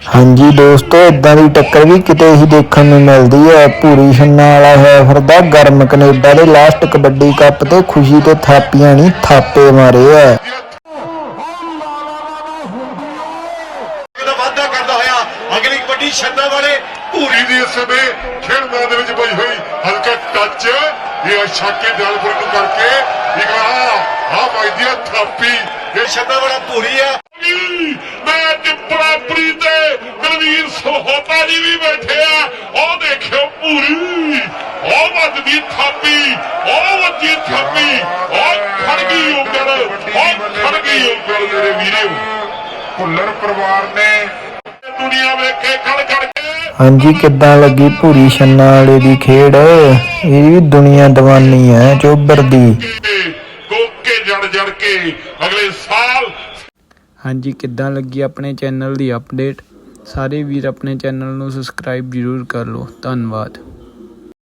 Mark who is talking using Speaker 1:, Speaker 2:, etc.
Speaker 1: ਹਾਂਜੀ ਦੋਸਤੋ, ਇਦਾਂ ਦੀ ਟੱਕਰ ਵੀ ਕਿਤੇ ਹੀ ਦੇਖਣ ਨੂੰ ਮਿਲਦੀ ਹੈ। ਭੂਰੀ ਛੰਨਾ ਵਾਲਾ ਹੋਇਆ ਫਿਰਦਾ ਗਰਮ ਕੈਨੇਡਾ ਦੇ ਲਾਸਟ ਕਬੱਡੀ ਕੱਪ ਤੇ ਖੁਸ਼ੀ ਤੇ ਥਾਪੀਆਂ ਨਹੀਂ ਥਾਪੇ ਮਾਰੇ ਆ।
Speaker 2: ਵਾਅਦਾ ਕਰਦਾ ਹੋਇਆ ਅਗਲੀ ਕਬੱਡੀ ਛੰਨਾ ਵਾਲੇ ਭੂਰੀ ਦੀ ਇਸ ਸਮੇਂ ਖੇਡ ਮੈਦਾਨ ਦੇ ਵਿੱਚ ਪਈ ਹੋਈ ਹਲਕਾ ਟੱਚ ਇਹ ਛਾਕੇ ਦਿਆਲਪੁਰ ਨੂੰ ਕਰਕੇ ਇੱਕ ਆ ਵੱਜਦੀ ਆ ਥਾਪੀ। ਇਹ ਛੰਨਾ ਵਾਲਾ ਭੂਰੀ ਆ। ਮੈਂ ਟਿੱਪਰਾਪਰੀ ਤੇ ਮਨਵੀਰ ਸਹੋਤਾ ਜੀ ਵੀ ਬੈਠੇ ਆ। ਉਹ ਦੇਖਿਓ ਭੂਰੀ, ਉਹ ਵੱਜਦੀ ਥਾਪੀ, ਉਹ ਵੱਜੀ ਥਾਪੀ, ਉਹ ਖੜ ਗਈ ਉਂਗਲ, ਉਹ ਖੜ ਗਈ ਉਂਗਲ ਮੇਰੇ ਵੀਰੋ। ਭੁੱਲਰ ਪਰਿਵਾਰ ਨੇ ਦੁਨੀਆ ਵੇਖੇ ਖੜ ਖੜ ਕੇ।
Speaker 1: ਹਾਂਜੀ, ਕਿੱਦਾਂ ਲੱਗੀ ਭੂਰੀ ਛੰਨਾ ਵਾਲੇ ਦੀ ਖੇਡ? ਇਹ ਵੀ ਦੁਨੀਆ ਦੀਵਾਨੀ ਹੈ ਚੋਬਰ ਦੀ।
Speaker 2: ਕੋਕੇ ਜੜ ਕੇ ਅਗਲੇ ਸਾਲ।
Speaker 3: ਹਾਂਜੀ, ਕਿੱਦਾਂ ਲੱਗੀ ਆਪਣੇ ਚੈਨਲ ਦੀ ਅਪਡੇਟ? ਸਾਰੇ ਵੀਰ ਆਪਣੇ ਚੈਨਲ ਨੂੰ ਸਬਸਕ੍ਰਾਈਬ ਜ਼ਰੂਰ ਕਰ ਲਓ। ਧੰਨਵਾਦ।